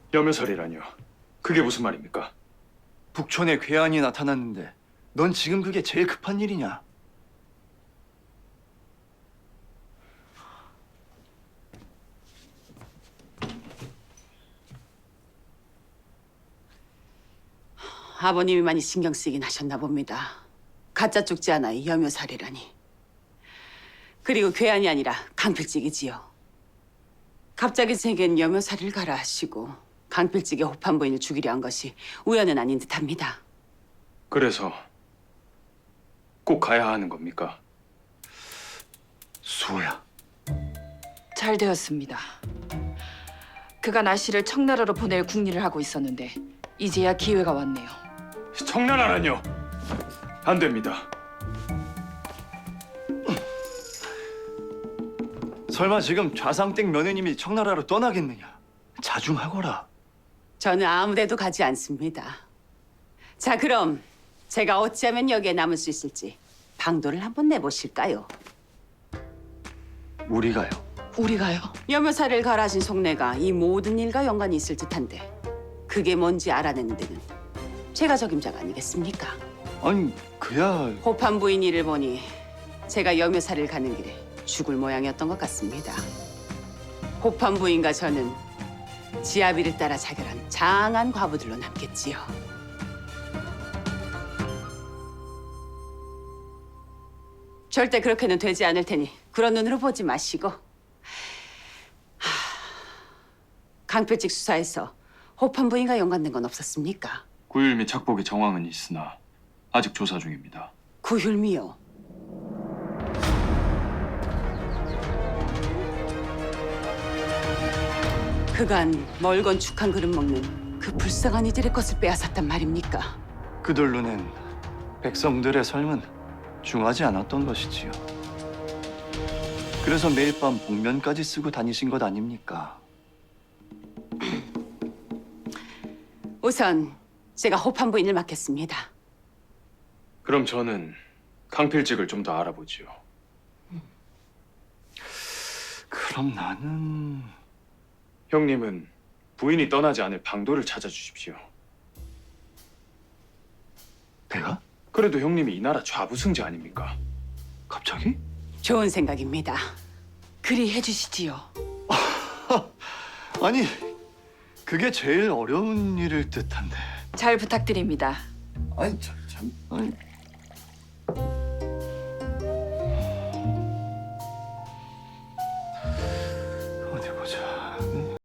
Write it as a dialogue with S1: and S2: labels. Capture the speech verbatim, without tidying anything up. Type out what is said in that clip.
S1: 여며살이라뇨. 그게 무슨 말입니까?
S2: 북촌에 괴한이 나타났는데 넌 지금 그게 제일 급한 일이냐?
S3: 아버님이 많이 신경 쓰이긴 하셨나 봅니다. 가짜 쪽지 하나에 여묘살이라니. 그리고 괴한이 아니라 강필직이지요. 갑자기 생긴 여묘살이를 가라 하시고 강필직의 호판 부인을 죽이려 한 것이 우연은 아닌 듯합니다.
S1: 그래서 꼭 가야 하는 겁니까?
S2: 수호야.
S4: 잘 되었습니다. 그간 아씨를 청나라로 보낼 궁리를 하고 있었는데 이제야 기회가 왔네요.
S1: 청나라라뇨. 안 됩니다.
S2: 설마 지금 좌상댁 며느님이 청나라로 떠나겠느냐? 자중하거라.
S3: 저는 아무데도 가지 않습니다. 자, 그럼 제가 어찌하면 여기에 남을 수 있을지 방도를 한번 내보실까요?
S2: 우리가요.
S4: 우리가요?
S3: 여묘살이를 갈아진 속내가 이 모든 일과 연관이 있을 듯한데 그게 뭔지 알아내는 데는 제가 적임자가 아니겠습니까?
S2: 아니 그야
S3: 호판 부인 일을 보니 제가 여묘살이를 가는 길에 죽을 모양이었던 것 같습니다. 호판 부인과 저는 지아비를 따라 자결한 장한 과부들로 남겠지요. 절대 그렇게는 되지 않을 테니 그런 눈으로 보지 마시고. 하... 강필직 수사에서 호판 부인과 연관된 건 없었습니까?
S1: 구율 및 착복의 정황은 있으나 아직 조사 중입니다.
S3: 구휼미요. 그간 멀건 축한 그릇 먹는 그 불쌍한 이들의 것을 빼앗았단 말입니까?
S2: 그들 눈엔 백성들의 삶은 중하지 않았던 것이지요. 그래서 매일 밤 복면까지 쓰고 다니신 것 아닙니까?
S3: 우선 제가 호판 부인을 맡겠습니다.
S1: 그럼 저는 강필직을 좀 더 알아보지요.
S2: 그럼 나는
S1: 형님은 부인이 떠나지 않을 방도를 찾아주십시오.
S2: 내가?
S1: 그래도 형님이 이 나라 좌부승자 아닙니까?
S2: 갑자기?
S3: 좋은 생각입니다.
S4: 그리 해주시지요.
S2: 아니 그게 제일 어려운 일일 듯한데.
S4: 잘 부탁드립니다.
S2: 아니 참, 참 아니